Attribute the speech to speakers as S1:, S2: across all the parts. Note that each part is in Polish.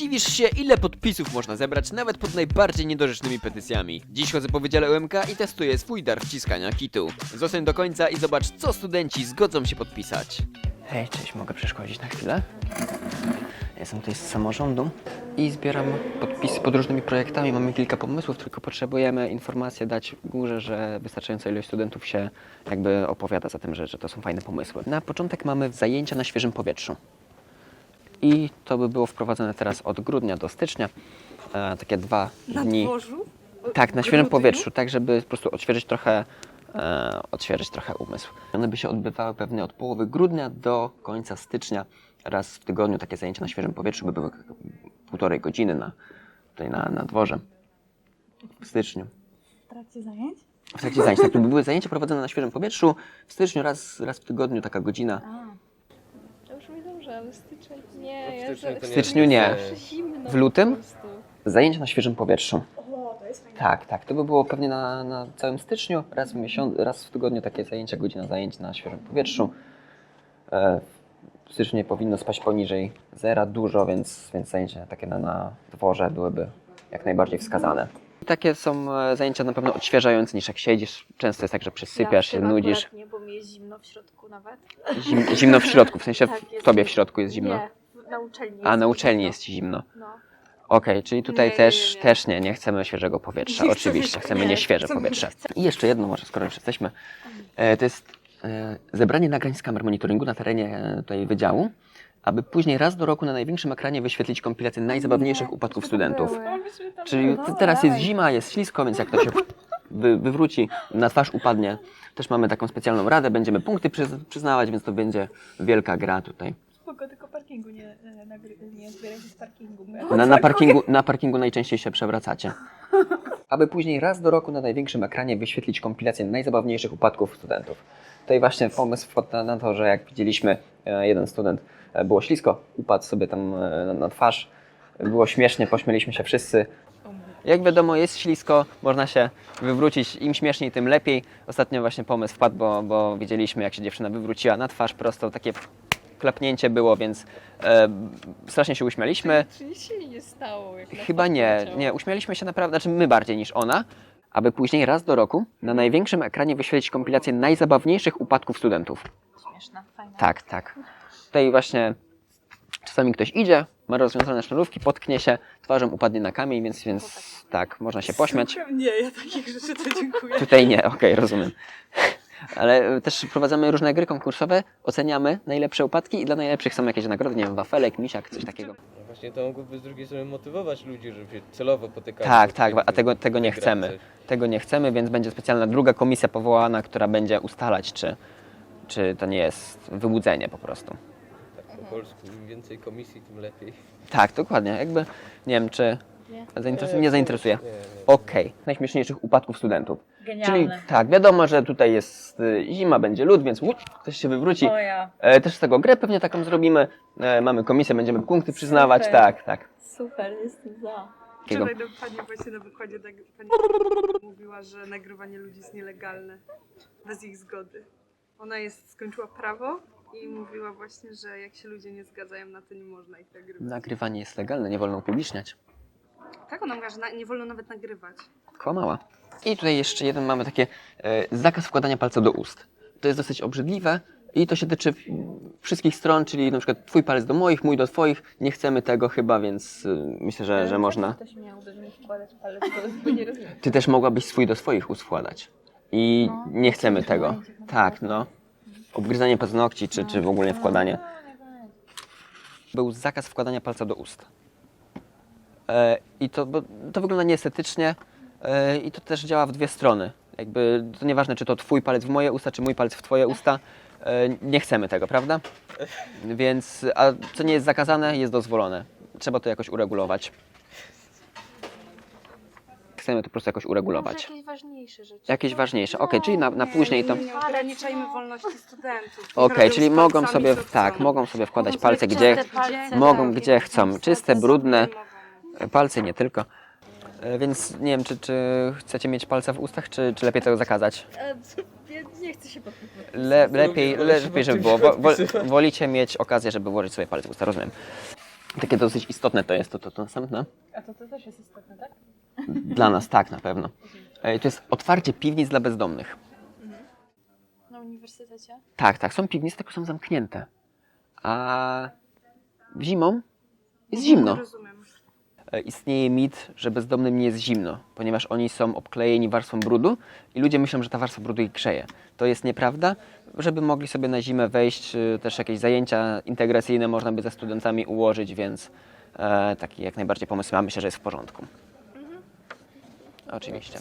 S1: Zdziwisz się, ile podpisów można zebrać nawet pod najbardziej niedorzecznymi petycjami. Dziś chodzę po Wydziale UMK i testuję swój dar wciskania kitu. Zostań do końca i zobacz, co studenci zgodzą się podpisać. Hej, cześć, mogę przeszkodzić na chwilę? Jestem tutaj z samorządu i zbieram podpisy pod różnymi projektami. Mamy kilka pomysłów, tylko potrzebujemy informację dać górze, że wystarczająca ilość studentów się jakby opowiada za tym, że to są fajne pomysły. Na początek mamy zajęcia na świeżym powietrzu. I to by było wprowadzone teraz od grudnia do stycznia. Takie 2 dni.
S2: Na dworzu?
S1: Tak, na świeżym powietrzu, tak żeby po prostu odświeżyć trochę umysł. One by się odbywały pewnie od połowy grudnia do końca stycznia. Raz w tygodniu takie zajęcia na świeżym powietrzu by były 1,5 godziny tutaj na dworze w styczniu.
S2: W trakcie zajęć?
S1: W trakcie zajęć, tak, to by były zajęcia prowadzone na świeżym powietrzu. W styczniu raz w tygodniu taka godzina.
S3: To już mi dobrze, ale styczeń nie.
S1: W styczniu nie.
S3: Zimno
S1: W lutym?
S3: po prostu.
S1: Zajęcia na świeżym powietrzu.
S2: O, to jest fajne.
S1: Tak, to by było pewnie na całym styczniu, raz w tygodniu takie zajęcia, godzina zajęć na świeżym powietrzu. W styczniu nie powinno spaść poniżej 0 dużo, więc zajęcia takie na dworze byłyby jak najbardziej wskazane. Takie są zajęcia na pewno odświeżające niż jak siedzisz. Często jest tak, że przysypiasz się, nudzisz.
S2: Nie, bo mi jest zimno w środku nawet.
S1: Zimno w środku, w sensie
S2: Tak,
S1: w
S2: jest
S1: tobie
S2: mi-
S1: w środku jest zimno.
S2: Nie, na uczelni
S1: A na
S2: mi
S1: uczelni
S2: zimno.
S1: jest ci zimno.
S2: No.
S1: Okej, czyli tutaj
S2: Nie,
S1: też nie chcemy świeżego powietrza. Oczywiście, chcemy nieświeże powietrze. I jeszcze jedno, może skoro już jesteśmy, to jest zebranie nagrań z kamer monitoringu na terenie tutaj wydziału, aby później raz do roku na największym ekranie wyświetlić kompilację najzabawniejszych upadków studentów. Czyli teraz jest zima, jest ślisko, więc jak to się wywróci, na twarz upadnie, też mamy taką specjalną radę, będziemy punkty przyznawać, więc to będzie wielka gra tutaj.
S3: Spoko, tylko parkingu nie zbierajcie z parkingu.
S1: Na parkingu najczęściej się przewracacie. Aby później raz do roku na największym ekranie wyświetlić kompilację najzabawniejszych upadków studentów. Tutaj właśnie pomysł wpadł na to, że jak widzieliśmy, jeden student było ślisko, upadł sobie tam na twarz. Było śmiesznie, pośmieliśmy się wszyscy. Jak wiadomo, jest ślisko, można się wywrócić, im śmieszniej, tym lepiej. Ostatnio właśnie pomysł wpadł, bo widzieliśmy, jak się dziewczyna wywróciła na twarz prosto, takie klapnięcie było, więc strasznie się uśmialiśmy.
S3: Czy nic się nie stało? Jak
S1: Chyba nie, uśmialiśmy się naprawdę, znaczy my bardziej niż ona, aby później raz do roku na największym ekranie wyświetlić kompilację najzabawniejszych upadków studentów.
S2: Śmieszna, fajna.
S1: Tak. Tutaj właśnie czasami ktoś idzie, ma rozwiązane sznurówki, potknie się, twarzą upadnie na kamień, więc tak, można się pośmiać.
S2: Nie, ja takich rzeczy to dziękuję.
S1: Tutaj nie, okej, rozumiem. Ale też prowadzamy różne gry konkursowe, oceniamy najlepsze upadki i dla najlepszych są jakieś nagrody, nie wiem, wafelek, misiak, coś takiego.
S4: No właśnie to mogłoby z drugiej strony motywować ludzi, żeby się celowo potykali.
S1: Tak, a tego nie chcemy. Tego nie chcemy, więc będzie specjalna druga komisja powołana, która będzie ustalać, czy to nie jest wyłudzenie po prostu.
S4: Tak po polsku, im więcej komisji, tym lepiej.
S1: Tak, dokładnie. Jakby, nie wiem, czy nie zainteresuje.
S4: Nie.
S1: Okej. Najśmieszniejszych upadków studentów. Czyli
S2: Genialne.
S1: tak, wiadomo, że tutaj jest zima, będzie lód, więc ktoś się wywróci.
S2: O ja.
S1: Też z tego grę pewnie taką zrobimy. Mamy komisję, będziemy punkty przyznawać.
S2: Super.
S1: Tak.
S2: Super, jestem za.
S1: Takiego.
S5: Wczoraj pani właśnie na wykładzie pani mówiła, że nagrywanie ludzi jest nielegalne bez ich zgody. Ona skończyła prawo i mówiła właśnie, że jak się ludzie nie zgadzają na to, nie można ich nagrywać.
S1: Nagrywanie jest legalne, nie wolno upubliczniać.
S5: Tak, ona mówiła, że nie wolno nawet nagrywać.
S1: Kłamała. I tutaj jeszcze jeden mamy takie zakaz wkładania palca do ust. To jest dosyć obrzydliwe i to się tyczy wszystkich stron, czyli na przykład twój palec do moich, mój do twoich. Nie chcemy tego chyba, więc myślę, że można.
S3: Ktoś miałby mi wkładać palec, bo nie rozumiem.
S1: Ty też mogłabyś swój do swoich ust wkładać. I nie chcemy tego. Tak, no. Obgryzanie paznokci, czy w ogóle wkładanie. Był zakaz wkładania palca do ust. I bo to wygląda nieestetycznie i to też działa w dwie strony. Jakby to nieważne, czy to twój palec w moje usta, czy mój palec w twoje usta. Nie chcemy tego, prawda? Więc, a co nie jest zakazane, jest dozwolone. Trzeba to jakoś uregulować. Chcemy to po prostu jakoś uregulować.
S2: Jakieś ważniejsze rzeczy.
S1: Jakieś ważniejsze. Okej, czyli na później to.
S5: Nie ograniczajmy wolności studentów.
S1: Okej, czyli
S5: Robią z
S1: mogą
S5: palcami,
S1: sobie,
S5: co chcą.
S1: tak, mogą sobie wkładać
S2: Mogą
S1: palce
S2: sobie
S1: gdzie,
S2: czyste palce
S1: mogą
S2: robić.
S1: gdzie chcą. Czyste, brudne,
S5: Mogą.
S1: palce nie tylko. Więc nie wiem, czy chcecie mieć palce w ustach, czy lepiej tego zakazać?
S3: Nie chcę się podpytać.
S1: Lepiej, żeby było. Wolicie mieć okazję, żeby włożyć sobie palce w usta, rozumiem. Takie dosyć istotne to jest to następne.
S3: A to też jest istotne, tak?
S1: Dla nas tak, na pewno. To jest otwarcie piwnic dla bezdomnych.
S2: Na uniwersytecie?
S1: Tak, są piwnice, tylko są zamknięte. A zimą jest zimno.
S5: Rozumiem.
S1: Istnieje mit, że bezdomnym nie jest zimno, ponieważ oni są obklejeni warstwą brudu i ludzie myślą, że ta warstwa brudu ich grzeje. To jest nieprawda. Żeby mogli sobie na zimę wejść, też jakieś zajęcia integracyjne można by ze studentami ułożyć, więc taki jak najbardziej pomysł myślę, że jest w porządku. Oczywiście.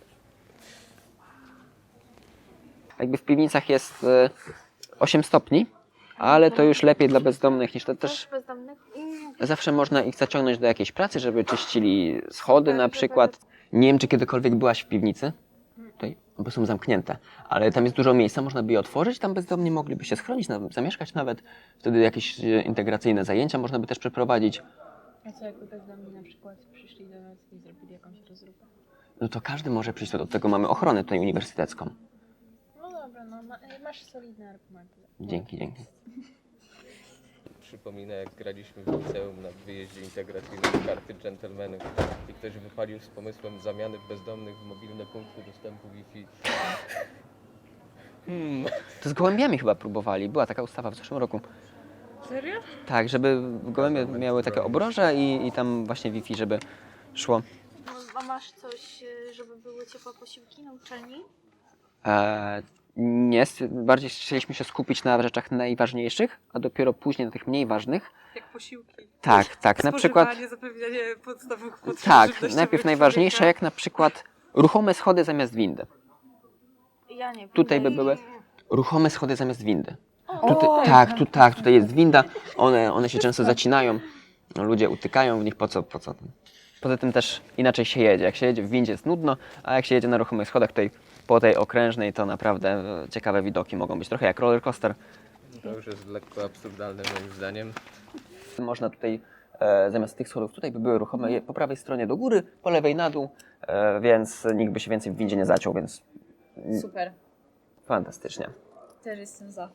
S1: Jakby w piwnicach jest 8 stopni, ale to już lepiej dla bezdomnych niż to też.
S2: Bezdomnych?
S1: Zawsze można ich zaciągnąć do jakiejś pracy, żeby czyścili schody na przykład. Nie wiem, czy kiedykolwiek byłaś w piwnicy. Tutaj, bo są zamknięte, ale tam jest dużo miejsca, można by je otworzyć, tam bezdomni mogliby się schronić, zamieszkać nawet. Wtedy jakieś integracyjne zajęcia można by też przeprowadzić.
S3: A co jakby bezdomni na przykład przyszli do nas i zrobili jakąś rozróbkę?
S1: No to każdy może przyjść, do tego mamy ochronę tutaj uniwersytecką.
S3: No dobra, no masz solidne argumenty.
S1: Dzięki.
S4: Przypomina, jak graliśmy w liceum na wyjeździe integracyjnym karty dżentelmenów i ktoś wypalił z pomysłem zamiany bezdomnych w mobilne punkty dostępu Wi-Fi.
S1: To z gołębiami chyba próbowali, była taka ustawa w zeszłym roku.
S2: Serio?
S1: Tak, żeby gołębie miały takie obroże i tam właśnie Wi-Fi, żeby szło.
S2: A masz coś, żeby były ciepłe posiłki na uczelni?
S1: Nie, bardziej chcieliśmy się skupić na rzeczach najważniejszych, a dopiero później na tych mniej ważnych.
S5: Jak posiłki.
S1: Tak, na przykład.
S5: Spożywanie, zapewnianie podstawowych potrzeb
S1: Tak,
S5: żywnościowych
S1: najpierw najważniejsze,
S5: człowieka.
S1: jak na przykład ruchome schody zamiast windy.
S2: Ja nie wiem.
S1: Tutaj by były ruchome schody zamiast windy.
S3: O,
S1: Tutaj jest winda, one się często zacinają, ludzie utykają w nich, po co? Poza tym też inaczej się jedzie. Jak się jedzie w windzie jest nudno, a jak się jedzie na ruchomych schodach tutaj po tej okrężnej, to naprawdę ciekawe widoki mogą być. Trochę jak roller coaster.
S4: To już jest lekko absurdalne moim zdaniem.
S1: Można tutaj, zamiast tych schodów, tutaj by były ruchome po prawej stronie do góry, po lewej na dół, więc nikt by się więcej w windzie nie zaciął, więc
S2: Super.
S1: fantastycznie.
S2: Też jestem za.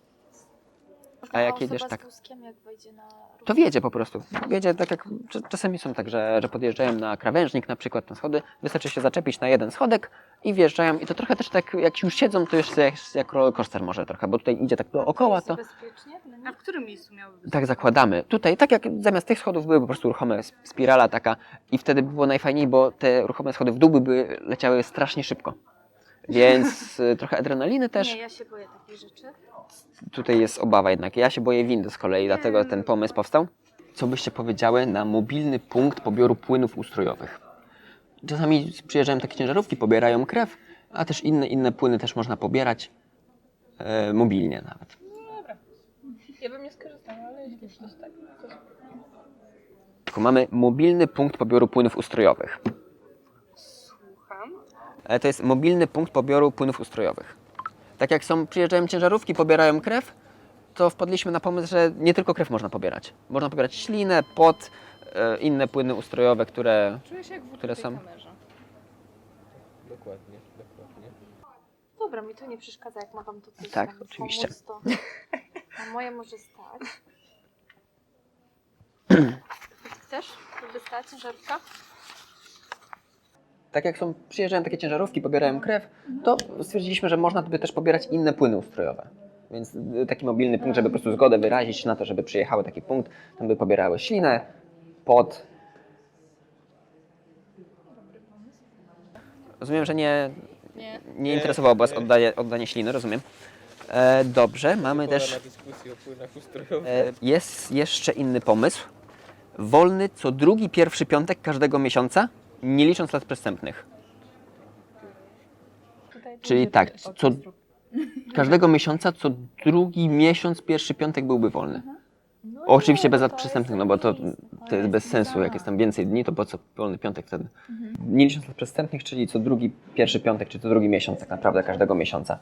S1: A jak jedziesz
S2: osoba
S1: tak?
S2: z wózkiem, jak wejdzie na
S1: To wiedzie po prostu. Wiedzie tak jak czasami są tak, że podjeżdżają na krawężnik na przykład na schody, wystarczy się zaczepić na jeden schodek i wjeżdżają i to trochę też tak jak już siedzą, to jeszcze jak roller coaster może trochę, bo tutaj idzie tak dookoła, to
S2: bezpiecznie? dla nich?
S5: A w którym miejscu miałyby być?
S1: tak zakładamy. Tutaj tak jak zamiast tych schodów były po prostu ruchome spirala taka i wtedy by było najfajniej, bo te ruchome schody w dół by leciały strasznie szybko. Więc trochę adrenaliny też.
S2: Nie, ja się boję takich rzeczy.
S1: Tutaj jest obawa jednak. Ja się boję windy z kolei, dlatego ten pomysł powstał. Co byście powiedziały na mobilny punkt pobioru płynów ustrojowych? Czasami przyjeżdżają takie ciężarówki, pobierają krew, a też inne płyny też można pobierać mobilnie nawet.
S3: Dobra. Ja bym nie skorzystała, ale jeśli coś tak, to...
S1: Tylko mamy mobilny punkt pobioru płynów ustrojowych.
S5: Słucham.
S1: To jest mobilny punkt pobioru płynów ustrojowych. Tak jak przyjeżdżają ciężarówki, pobierają krew, to wpadliśmy na pomysł, że nie tylko krew można pobierać. Można pobierać ślinę, pot, inne płyny ustrojowe, które
S3: Czuję się jak w
S1: Które
S3: tej
S1: są?
S3: kamerze.
S4: Dokładnie.
S2: Dobra, mi to nie przeszkadza, jak ma wam to coś
S1: Tak,
S2: tam
S1: oczywiście.
S2: pomóc, to na moje może stać. Chcesz, żeby stała ciężarówka?
S1: Tak jak przyjeżdżają takie ciężarówki, pobierają krew, to stwierdziliśmy, że można by też pobierać inne płyny ustrojowe. Więc taki mobilny punkt, żeby po prostu zgodę wyrazić na to, żeby przyjechały taki punkt, tam by pobierały ślinę, pot. Rozumiem, że nie interesowało Was oddanie śliny, rozumiem. Dobrze, mamy
S4: Pora
S1: też...
S4: na dyskusję o płynach ustrojowych.
S1: Jest jeszcze inny pomysł. Wolny co drugi pierwszy piątek każdego miesiąca, nie licząc lat przestępnych.
S3: Tutaj
S1: Czyli
S3: będzie
S1: tak,
S3: orkiestra.
S1: każdego miesiąca, co drugi miesiąc, pierwszy piątek byłby wolny.
S3: No
S1: Oczywiście
S3: nie,
S1: bez
S3: to
S1: lat
S3: jest
S1: przestępnych, no bo to jest bez sensu. Jak jest tam więcej dni, to po co wolny piątek wtedy? Nie licząc lat przestępnych, czyli co drugi pierwszy piątek, czy co drugi miesiąc tak naprawdę każdego miesiąca.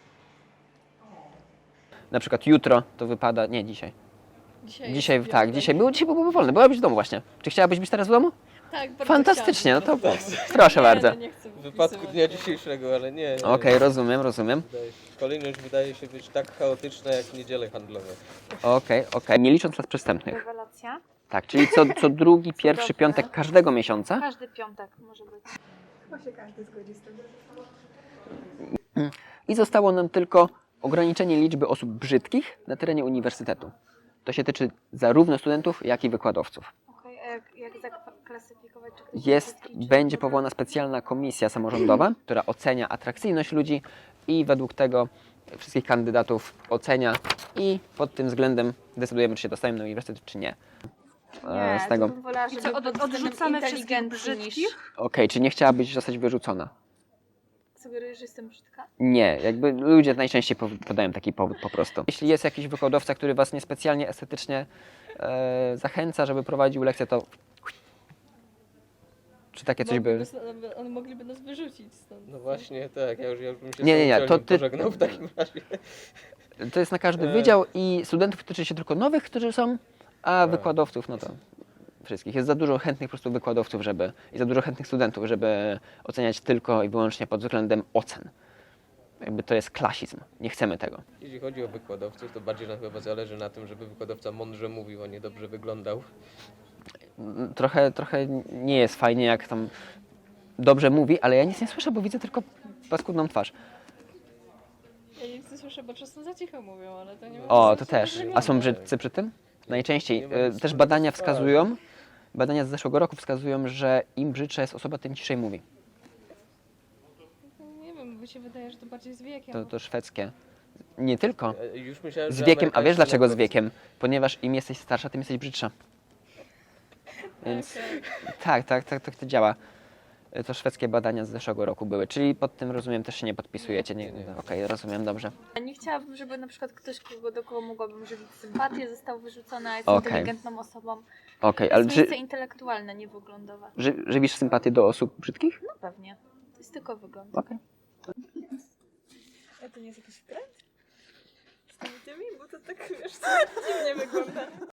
S1: Na przykład jutro to wypada... Nie, dzisiaj. Dzisiaj byłby wolny. Byłabyś w domu właśnie. Czy chciałabyś być teraz w domu?
S2: Tak,
S1: Fantastycznie, no to proszę bardzo.
S4: W wypadku dnia dzisiejszego, ale nie.
S1: Okej, rozumiem.
S4: Kolejność wydaje się być tak chaotyczna jak niedziele handlowe.
S1: Okej. Nie licząc lat przestępnych.
S2: Rewelacja.
S1: Tak, czyli co drugi, pierwszy
S2: Cudowne.
S1: piątek każdego miesiąca.
S2: Każdy piątek może być.
S5: Chyba się każdy zgodzi z tym.
S1: I zostało nam tylko ograniczenie liczby osób brzydkich na terenie uniwersytetu. To się tyczy zarówno studentów, jak i wykładowców.
S2: Okej, a jak zaklasyfikować, czy ktoś jest brzydki, czy
S1: Będzie
S2: dobry?
S1: powołana specjalna komisja samorządowa, która ocenia atrakcyjność ludzi i według tego wszystkich kandydatów ocenia i pod tym względem decydujemy, czy się dostajemy na uniwersytet, czy nie.
S2: Nie,
S1: z tego.
S2: to bym wolała,
S5: I
S2: żeby
S5: co,
S2: był
S5: odrzucamy wszystkich
S2: inteligentny niż...
S5: brzydkich?
S1: Okej, czy nie chciałabyś zostać wyrzucona?
S2: Sugerujesz, że jestem brzydka?
S1: Nie, jakby ludzie najczęściej podają taki powód po prostu. Jeśli jest jakiś wykładowca, który was niespecjalnie estetycznie zachęca, żeby prowadził lekcję, to czy takie coś by...
S3: One mogliby nas wyrzucić stąd.
S4: No właśnie, tak, ja już bym się
S1: Nie,
S4: z tą
S1: to
S4: uczelnią
S1: ty-
S4: pożegnał w takim razie.
S1: To jest na każdy wydział i studentów tyczy się tylko nowych, którzy są, a wykładowców, no to wszystkich. Jest za dużo chętnych po prostu wykładowców, i za dużo chętnych studentów, żeby oceniać tylko i wyłącznie pod względem ocen. Jakby to jest klasizm. Nie chcemy tego.
S4: Jeśli chodzi o wykładowców, to bardziej nam chyba zależy na tym, żeby wykładowca mądrze mówił, a nie dobrze wyglądał.
S1: Trochę nie jest fajnie, jak tam dobrze mówi, ale ja nic nie słyszę, bo widzę tylko paskudną twarz.
S3: Ja nic nie słyszę, bo czasem za cicho mówią, ale to nie ma
S1: O,
S3: sensu,
S1: to
S3: że
S1: też.
S3: wygląda.
S1: A są brzydcy przy tym? Najczęściej.
S4: Nie ma nic
S1: Też
S4: wspólnego
S1: badania
S4: z twarzą.
S1: wskazują, badania z zeszłego roku wskazują, że im brzydsza jest osoba, tym ciszej mówi.
S3: Nie wiem, mi się wydaje, że to bardziej z wiekiem.
S1: To szwedzkie. Nie tylko.
S4: Już myślałem,
S1: Z
S4: że
S1: wiekiem, a wiesz
S4: amerykańscy
S1: dlaczego z
S4: naukowcy-
S1: wiekiem? Ponieważ im jesteś starsza, tym jesteś brzydsza. Więc tak to działa. To szwedzkie badania z zeszłego roku były, czyli pod tym, rozumiem, też się nie podpisujecie. Nie. Okej, rozumiem, dobrze.
S2: Nie chciałabym, żeby na przykład ktoś, do kogo mogłabym żywić sympatię, został wyrzucony, a jest
S1: Okej.
S2: inteligentną osobą.
S1: Okej,
S2: To
S1: ale
S2: jest miejsce intelektualne, nie wyglądowe.
S1: żywisz sympatię do osób brzydkich?
S2: No pewnie. To jest tylko wygląd.
S1: Okej.
S3: A to nie jest jakiś trend? Z tymi? Bo to tak, wiesz co, dziwnie wygląda.